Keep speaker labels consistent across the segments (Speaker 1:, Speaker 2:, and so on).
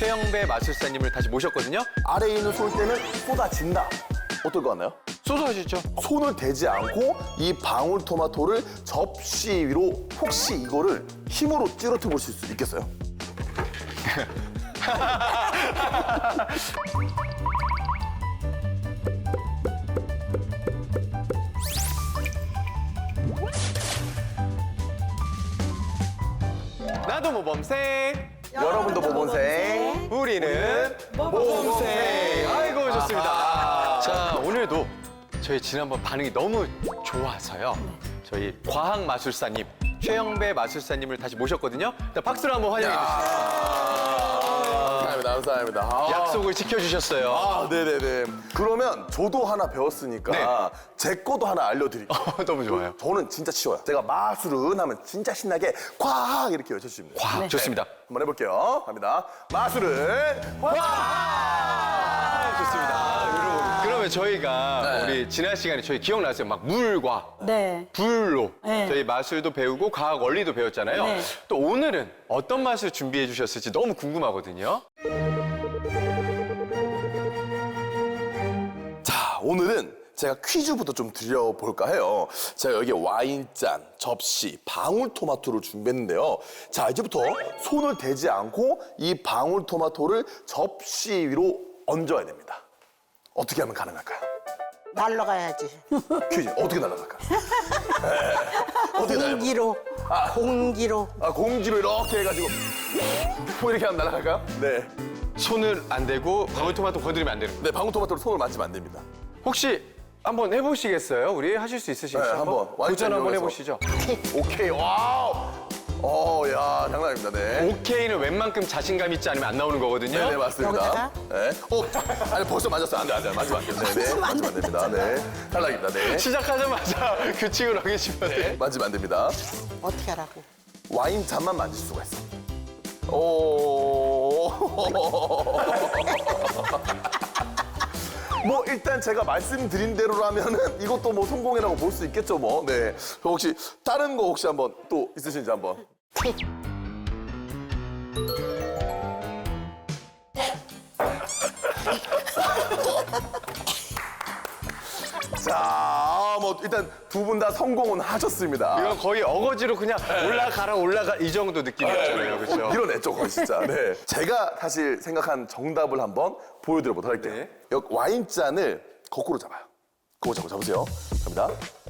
Speaker 1: 최영배 마술사님을 다시 모셨거든요.
Speaker 2: 아래에 있는 솔대는 쏟아진다. 어떨 것 같나요?
Speaker 1: 쏟아지죠.
Speaker 2: 손을 대지 않고 이 방울토마토를 접시 위로 혹시 이거를 힘으로 찌르트 보실 수 있겠어요?
Speaker 1: 나도 모범생.
Speaker 2: 여러분도 모범생.
Speaker 1: 우리는 모범생. 아이고 좋습니다. 자 오늘도 저희 지난번 반응이 너무 좋아서요. 저희 과학 마술사님 최영배 마술사님을 다시 모셨거든요. 일단 박수로 한번 환영해 주시죠.
Speaker 2: 감사합니다.
Speaker 1: 약속을 지켜주셨어요.
Speaker 2: 네네네. 그러면 저도 하나 배웠으니까
Speaker 1: 네.
Speaker 2: 제 거도 하나 알려드릴게요.
Speaker 1: 너무 좋아요.
Speaker 2: 저는 진짜 쉬워요. 제가 마술은 하면 진짜 신나게 과학 이렇게 외쳐주시면 돼요.
Speaker 1: 과학 좋습니다.
Speaker 2: 한번 해볼게요. 갑니다. 마술은 과학!
Speaker 1: 좋습니다. 그러면 저희가
Speaker 2: 네.
Speaker 1: 우리 지난 시간에 저희 기억나세요? 막 물과
Speaker 3: 네.
Speaker 1: 불로
Speaker 3: 네.
Speaker 1: 저희 마술도 배우고 과학 원리도 배웠잖아요.
Speaker 3: 네.
Speaker 1: 또 오늘은 어떤 마술 준비해 주셨을지 너무 궁금하거든요.
Speaker 2: 자, 오늘은 제가 퀴즈부터 좀 드려볼까 해요. 제가 여기 와인잔, 접시, 방울토마토를 준비했는데요. 자, 이제부터 손을 대지 않고 이 방울토마토를 접시 위로 얹어야 됩니다. 어떻게 하면 가능할까요?
Speaker 3: 날라가야지.
Speaker 2: 퀴즈, 어떻게 날아갈까요? 어떻게 날아갈까요?
Speaker 3: 공기로. 공기로.
Speaker 2: 공지로 이렇게 해가지고 이렇게 하면 날아갈까요? 네.
Speaker 1: 손을 안 대고 방울토마토 건드리면 안 되는 거예요.
Speaker 2: 네, 방울토마토로 손을 만지면 안 됩니다.
Speaker 1: 혹시 한번 해보시겠어요? 우리 하실 수 있으시죠?
Speaker 2: 네, 한번.
Speaker 1: 도전 한번
Speaker 2: 와인잔
Speaker 1: 해보시죠.
Speaker 2: 오케이, 와우! 야, 장난 아닙니다, 네.
Speaker 1: 오케이는 웬만큼 자신감 있지 않으면 안 나오는 거거든요.
Speaker 2: 네네, 맞습니다.
Speaker 3: 여기다가?
Speaker 2: 네. 아니, 벌써 맞았어요. 안 돼. 맞으면 안 돼요. 네네. 맞으면 안 됩니다. 네. 탈락입니다. 네.
Speaker 1: 시작하자마자 규칙을 어기시면 돼요.
Speaker 2: 만지면 안 됩니다.
Speaker 3: 어떻게 하라고?
Speaker 2: 와인 잔만 만질 수가 있어. 오. 뭐 일단 제가 말씀드린 대로라면은 이것도 뭐 성공이라고 볼 수 있겠죠 뭐. 네. 혹시 다른 거 혹시 한번 또 있으신지 한번. 자, 뭐 일단 두 분 다 성공은 하셨습니다.
Speaker 1: 이건 거의 어거지로 그냥 올라가 이 정도 느낌이었잖아요. 그렇죠?
Speaker 2: 밀어냈죠, 거의 진짜. 네. 제가 사실 생각한 정답을 한번 보여드려보도록 할게요.
Speaker 1: 네.
Speaker 2: 여기 와인잔을 거꾸로 잡아요. 거꾸로 잡으세요. 갑니다.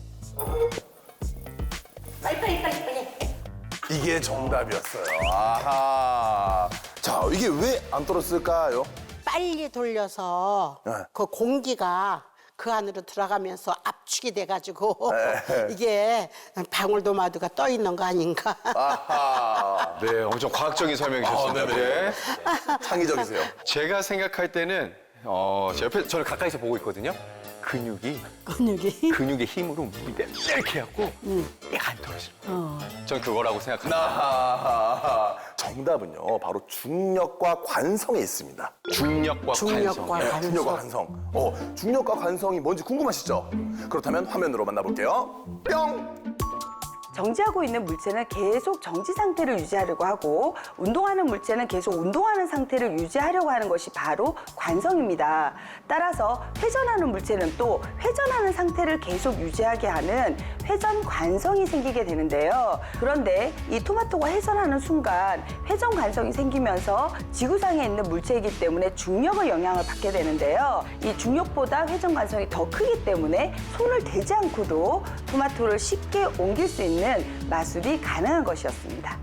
Speaker 3: 빨리.
Speaker 2: 이게 정답이었어요. 아하. 자, 이게 왜 안 떨어졌을까요?
Speaker 3: 빨리 돌려서
Speaker 2: 네.
Speaker 3: 그 공기가 그 안으로 들어가면서 압축이 돼가지고
Speaker 2: 네.
Speaker 3: 이게 방울토마토가 떠 있는 거 아닌가?
Speaker 2: 아하.
Speaker 1: 네, 엄청 과학적인 설명이셨습니다.
Speaker 2: 네네.
Speaker 1: 네.
Speaker 2: 창의적이세요.
Speaker 1: 제가 생각할 때는 제 옆에 저를 가까이서 보고 있거든요. 근육의 힘으로 밑에 이렇게 해갖고 얘가 안 떨어지는 거예요. 전 그거라고 생각합니다.
Speaker 2: 아하. 정답은요, 바로 중력과 관성에 있습니다.
Speaker 1: 중력과
Speaker 3: 중력과
Speaker 1: 관성.
Speaker 3: 관성.
Speaker 2: 중력과 관성. 중력과 관성이 뭔지 궁금하시죠? 그렇다면 화면으로 만나볼게요. 뿅!
Speaker 4: 정지하고 있는 물체는 계속 정지 상태를 유지하려고 하고 운동하는 물체는 계속 운동하는 상태를 유지하려고 하는 것이 바로 관성입니다. 따라서 회전하는 물체는 또 회전하는 상태를 계속 유지하게 하는 회전 관성이 생기게 되는데요. 그런데 이 토마토가 회전하는 순간 회전 관성이 생기면서 지구상에 있는 물체이기 때문에 중력의 영향을 받게 되는데요. 이 중력보다 회전 관성이 더 크기 때문에 손을 대지 않고도 토마토를 쉽게 옮길 수 있는 마술이 가능한 것이었습니다.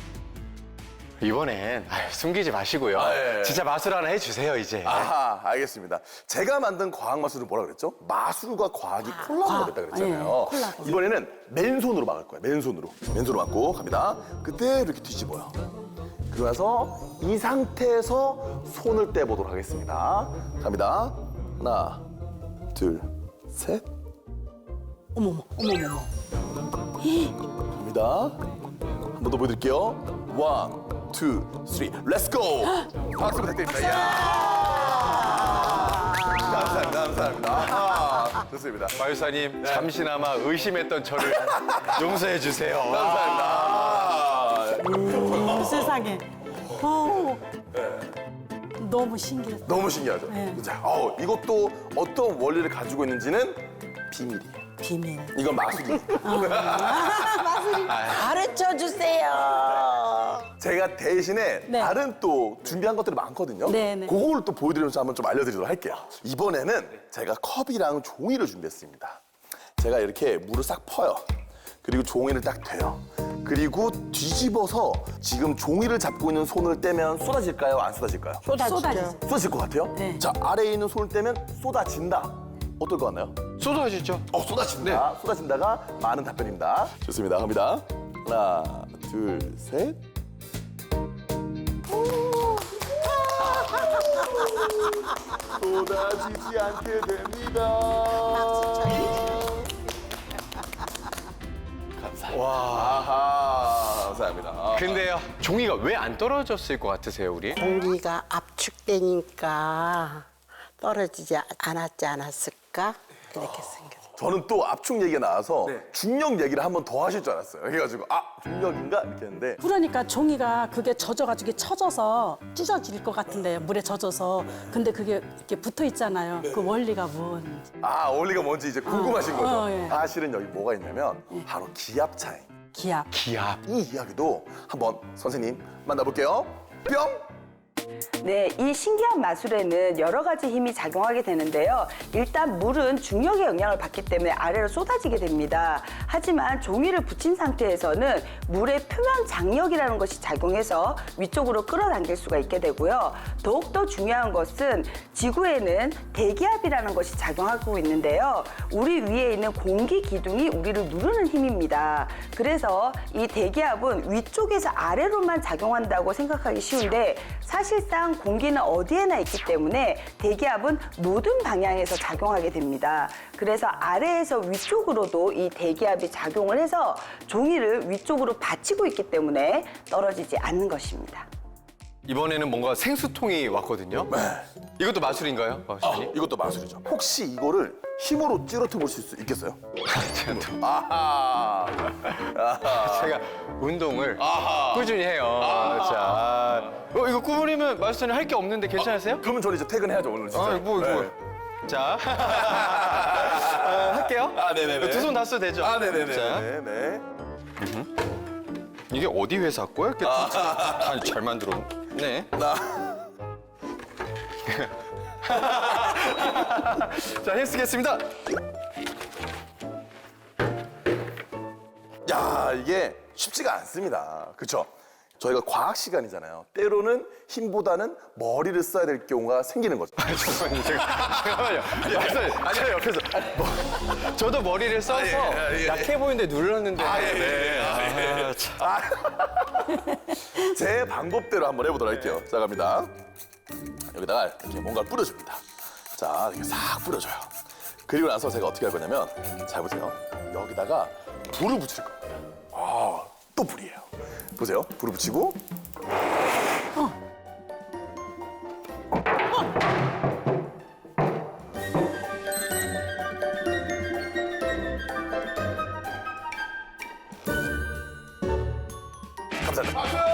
Speaker 1: 이번엔 숨기지 마시고요.
Speaker 2: 예.
Speaker 1: 진짜 마술 하나 해주세요, 이제.
Speaker 2: 아하, 알겠습니다. 제가 만든 과학 마술은 뭐라 그랬죠? 마술과 과학이 콜라보가 됐다 그랬잖아요.
Speaker 3: 예, 콜라보.
Speaker 2: 이번에는 맨손으로 막을 거예요. 맨손으로. 맨손으로 막고 갑니다. 그때 이렇게 뒤집어요. 그러고 나서 이 상태에서 손을 떼보도록 하겠습니다. 갑니다. 하나, 둘, 셋.
Speaker 3: 어머머.
Speaker 2: 갑니다. 한 번 더 보여드릴게요. 원, 투, 쓰리, 렛츠고! 박수 부탁드립니다. 이야! 감사합니다. 좋습니다.
Speaker 1: 마술사님, 잠시나마 의심했던 저를 용서해 주세요.
Speaker 2: 감사합니다.
Speaker 3: 세상에.
Speaker 5: 너무 신기했어요.
Speaker 2: 너무 신기하죠?
Speaker 5: 네.
Speaker 2: 자, 이것도 어떤 원리를 가지고 있는지는 비밀이에요.
Speaker 5: 비밀.
Speaker 2: 이건 마술이에요.
Speaker 3: 가르쳐 주세요.
Speaker 2: 제가 대신에
Speaker 5: 네.
Speaker 2: 다른 또 준비한 것들이 많거든요.
Speaker 5: 네, 네.
Speaker 2: 그걸 또 보여드리면서 한번 좀 알려드리도록 할게요. 이번에는 제가 컵이랑 종이를 준비했습니다. 제가 이렇게 물을 싹 퍼요. 그리고 종이를 딱 대요. 그리고 뒤집어서 지금 종이를 잡고 있는 손을 떼면 쏟아질까요? 안 쏟아질까요?
Speaker 5: 쏟아지죠.
Speaker 2: 쏟아질 것 같아요?
Speaker 5: 네.
Speaker 2: 자, 아래에 있는 손을 떼면 쏟아진다. 어떨 것 같나요?
Speaker 1: 쏟아지죠?
Speaker 2: 쏟아진다. 쏟아진다가 많은 답변입니다. 좋습니다. 갑니다. 하나, 둘, 셋. 쏟아지지 않게 됩니다. 감사합니다. 아하, 감사합니다.
Speaker 1: 근데요, 종이가 왜 안 떨어졌을 것 같으세요, 우리?
Speaker 3: 공기가 압축되니까 떨어지지 않았지 않았을까? 이렇게 생겼어요.
Speaker 2: 저는 또 압축 얘기가 나와서 중력 얘기를 한 번 더 하실 줄 알았어요. 그래가지고 중력인가? 이렇게 했는데
Speaker 5: 그러니까 종이가 그게 젖어가지고 이게 쳐져서 찢어질 것 같은데 물에 젖어서 근데 그게 이렇게 붙어 있잖아요. 그 원리가 뭔지.
Speaker 2: 원리가 뭔지 이제 궁금하신 거죠?
Speaker 5: 예.
Speaker 2: 사실은 여기 뭐가 있냐면 바로 기압 차이.
Speaker 5: 기압.
Speaker 1: 기압.
Speaker 2: 이 이야기도 한번 선생님 만나볼게요. 뿅!
Speaker 4: 네, 이 신기한 마술에는 여러 가지 힘이 작용하게 되는데요. 일단 물은 중력의 영향을 받기 때문에 아래로 쏟아지게 됩니다. 하지만 종이를 붙인 상태에서는 물의 표면 장력이라는 것이 작용해서 위쪽으로 끌어당길 수가 있게 되고요. 더욱더 중요한 것은 지구에는 대기압이라는 것이 작용하고 있는데요. 우리 위에 있는 공기 기둥이 우리를 누르는 힘입니다. 그래서 이 대기압은 위쪽에서 아래로만 작용한다고 생각하기 쉬운데 사실상 공기는 어디에나 있기 때문에 대기압은 모든 방향에서 작용하게 됩니다. 그래서 아래에서 위쪽으로도 이 대기압이 작용을 해서 종이를 위쪽으로 받치고 있기 때문에 떨어지지 않는 것입니다.
Speaker 1: 이번에는 뭔가 생수통이 왔거든요. 이것도 마술인가요, 마술이?
Speaker 2: 이것도 마술이죠. 혹시 이거를 힘으로 찌르트 볼 수 있겠어요? 아하.
Speaker 1: 제가 운동을 꾸준히 해요. 자, 이거 꾸물이면 마술사님 할 게 없는데 괜찮으세요?
Speaker 2: 그러면 저는 이제 퇴근해야죠, 오늘 진짜.
Speaker 1: 이거.
Speaker 2: 네.
Speaker 1: 자, 할게요.
Speaker 2: 네네네.
Speaker 1: 두 손 다 써도 되죠?
Speaker 2: 네네네.
Speaker 1: 자,
Speaker 2: 네.
Speaker 1: 이게 어디 회사 거야? 이렇게 잘 만들어. 네. 자, 힘쓰겠습니다.
Speaker 2: 야, 이게 쉽지가 않습니다. 그렇죠? 저희가 과학 시간이잖아요. 때로는 힘보다는 머리를 써야 될 경우가 생기는 거죠.
Speaker 1: 잠깐만요. 제가 옆에서 저도 머리를 써서 약해 보이는데 눌렀는데.
Speaker 2: 제 방법대로 한번 해보도록 할게요. 자, 갑니다. 여기다가 이렇게 뭔가를 뿌려줍니다. 자, 이렇게 싹 뿌려줘요. 그리고 나서 제가 어떻게 할 거냐면, 잘 보세요. 여기다가 불을 붙일 겁니다. 또 불이에요. 보세요. 불을 붙이고. 감사합니다.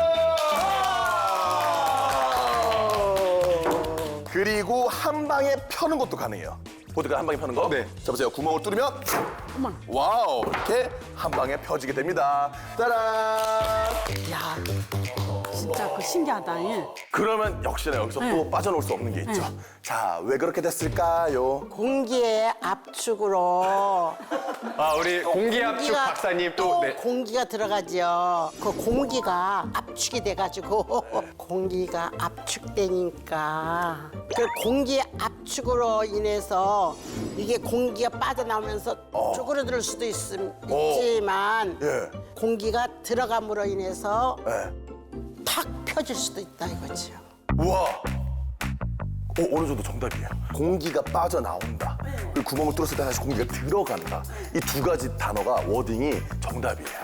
Speaker 2: 그리고 한 방에 펴는 것도 가능해요. 보드가 한 방에 펴는 거?
Speaker 1: 네.
Speaker 2: 자, 보세요. 구멍을 뚫으면 와우! 이렇게 한 방에 펴지게 됩니다. 따란!
Speaker 5: 야, 진짜 그 신기하다. 예.
Speaker 2: 그러면 역시나 여기서 또 빠져나올 수 없는 게 있죠. 자, 왜 그렇게 됐을까요?
Speaker 3: 공기의 압축으로
Speaker 1: 우리 공기압축 박사님 또. 네.
Speaker 3: 공기가 들어가죠. 그 공기가 압축이 돼가지고 공기가 압축되니까 그 공기 압축으로 인해서 이게 공기가 빠져나오면서 쪼그러들 수도 있지만
Speaker 2: 예.
Speaker 3: 공기가 들어감으로 인해서
Speaker 2: 네.
Speaker 3: 탁 펴질 수도 있다 이거죠.
Speaker 2: 우와! 어느 정도 정답이에요. 공기가 빠져나온다. 그리고 구멍을 뚫었을 때 다시 공기가 들어간다. 이 두 가지 단어가 워딩이 정답이에요.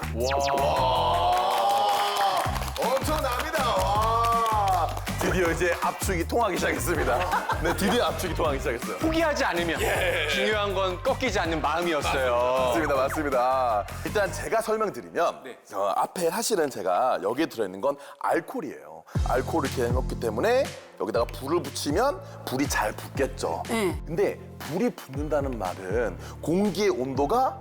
Speaker 2: 엄청납니다. 와. 드디어 이제 압축이 통하기 시작했습니다. 네, 드디어 압축이 통하기 시작했어요.
Speaker 1: 포기하지 않으면 중요한 건 꺾이지 않는 마음이었어요.
Speaker 2: 맞습니다, 맞습니다. 일단 제가 설명드리면 앞에 사실은 제가 여기에 들어있는 건 알코올이에요. 알코올을 이렇게 해놓기 때문에 여기다가 불을 붙이면 불이 잘 붙겠죠.
Speaker 5: 네.
Speaker 2: 근데 불이 붙는다는 말은 공기의 온도가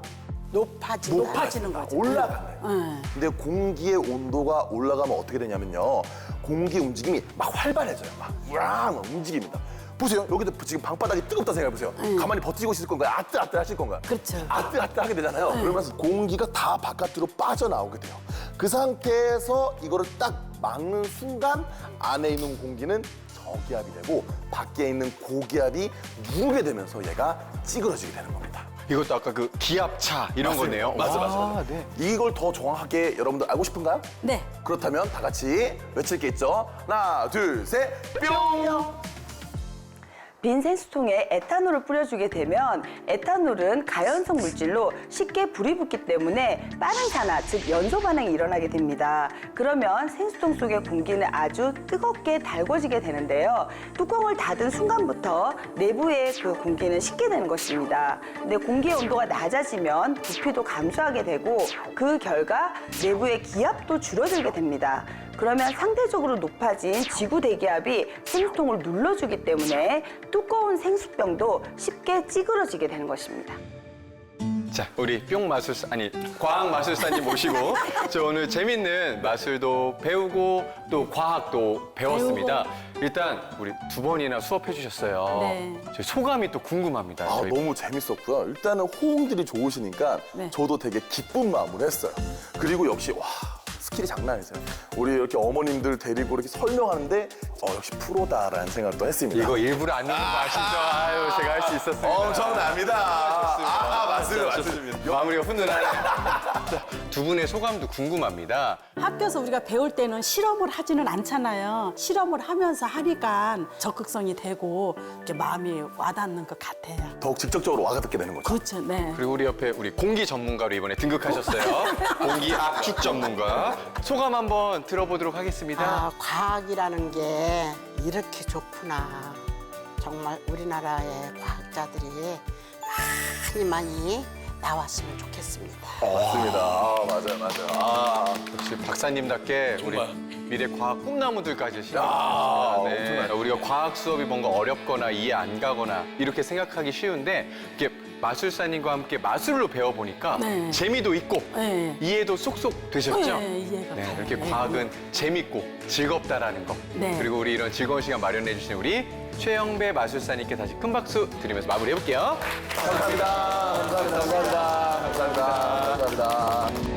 Speaker 5: 높아지는 거죠.
Speaker 2: 올라가는 거예요.
Speaker 5: 네.
Speaker 2: 근데 공기의 온도가 올라가면 어떻게 되냐면요. 공기 움직임이 막 활발해져요. 막 우랑 움직입니다. 보세요. 여기도 지금 방바닥이 뜨겁다 생각해보세요. 가만히 버티고 있을 건가요? 아뜨아뜨 하실 건가요?
Speaker 5: 그렇죠.
Speaker 2: 아뜨아뜨 하게 되잖아요. 그러면서 공기가 다 바깥으로 빠져나오게 돼요. 그 상태에서 이거를 딱 막는 순간 안에 있는 공기는 저기압이 되고 밖에 있는 고기압이 누르게 되면서 얘가 찌그러지게 되는 겁니다.
Speaker 1: 이것도 아까 그 기압차 이런 거네요.
Speaker 2: 맞아.
Speaker 1: 네.
Speaker 2: 이걸 더 정확하게 여러분들 알고 싶은가요?
Speaker 5: 네.
Speaker 2: 그렇다면 다 같이 외칠 게 있죠. 하나, 둘, 셋, 뿅!
Speaker 4: 빈 생수통에 에탄올을 뿌려주게 되면 에탄올은 가연성 물질로 쉽게 불이 붙기 때문에 빠른 산화, 즉 연소 반응이 일어나게 됩니다. 그러면 생수통 속의 공기는 아주 뜨겁게 달궈지게 되는데요. 뚜껑을 닫은 순간부터 내부의 그 공기는 식게 되는 것입니다. 근데 공기의 온도가 낮아지면 부피도 감소하게 되고 그 결과 내부의 기압도 줄어들게 됩니다. 그러면 상대적으로 높아진 지구 대기압이 생수통을 눌러주기 때문에 두꺼운 생수병도 쉽게 찌그러지게 되는 것입니다.
Speaker 1: 자, 우리 뿅 마술사, 아니, 과학 마술사님 모시고 저 오늘 재밌는 마술도 배우고 또 과학도 배웠습니다. 일단 우리 두 번이나 수업해 주셨어요.
Speaker 5: 네.
Speaker 1: 저희 소감이 또 궁금합니다.
Speaker 2: 아,
Speaker 1: 저희
Speaker 2: 너무 재밌었고요. 일단은 호응들이 좋으시니까
Speaker 5: 네.
Speaker 2: 저도 되게 기쁜 마음으로 했어요. 그리고 역시 와 스킬이 장난 아니세요. 우리 이렇게 어머님들 데리고 이렇게 설명하는데 역시 프로다라는 생각도 했습니다.
Speaker 1: 이거 일부러 안 넣는 거 아시죠? 아유, 제가 할 수 있었어요.
Speaker 2: 엄청납니다. 맞습니다.
Speaker 1: 마무리가 훈훈하네요. 자, 두 분의 소감도 궁금합니다.
Speaker 5: 학교에서 우리가 배울 때는 실험을 하지는 않잖아요. 실험을 하면서 하니까 적극성이 되고 이렇게 마음이 와닿는 것 같아요.
Speaker 2: 더욱 직접적으로 와닿게 되는 거죠.
Speaker 5: 그렇죠. 네.
Speaker 1: 그리고 우리 옆에 우리 공기 전문가로 이번에 등극하셨어요. 공기 압축 전문가. 소감 한번 들어보도록 하겠습니다.
Speaker 3: 아, 과학이라는 게 이렇게 좋구나. 정말 우리나라의 과학자들이 많이 나왔으면 좋겠습니다.
Speaker 2: 맞습니다. 맞아요.
Speaker 1: 역시 박사님답게 우리 미래 과학 꿈나무들까지 실현하셨습니다. 네. 우리가 과학 수업이 뭔가 어렵거나 이해 안 가거나 이렇게 생각하기 쉬운데 이렇게 마술사님과 함께 마술로 배워보니까
Speaker 5: 네.
Speaker 1: 재미도 있고
Speaker 5: 네.
Speaker 1: 이해도 쏙쏙 되셨죠?
Speaker 5: 네, 이해가
Speaker 1: 네,
Speaker 5: 가요.
Speaker 1: 이렇게
Speaker 5: 네.
Speaker 1: 과학은 재밌고 즐겁다라는 거.
Speaker 5: 네.
Speaker 1: 그리고 우리 이런 즐거운 시간 마련해 주신 우리 최영배 마술사님께 다시 큰 박수 드리면서 마무리해볼게요.
Speaker 2: 감사합니다.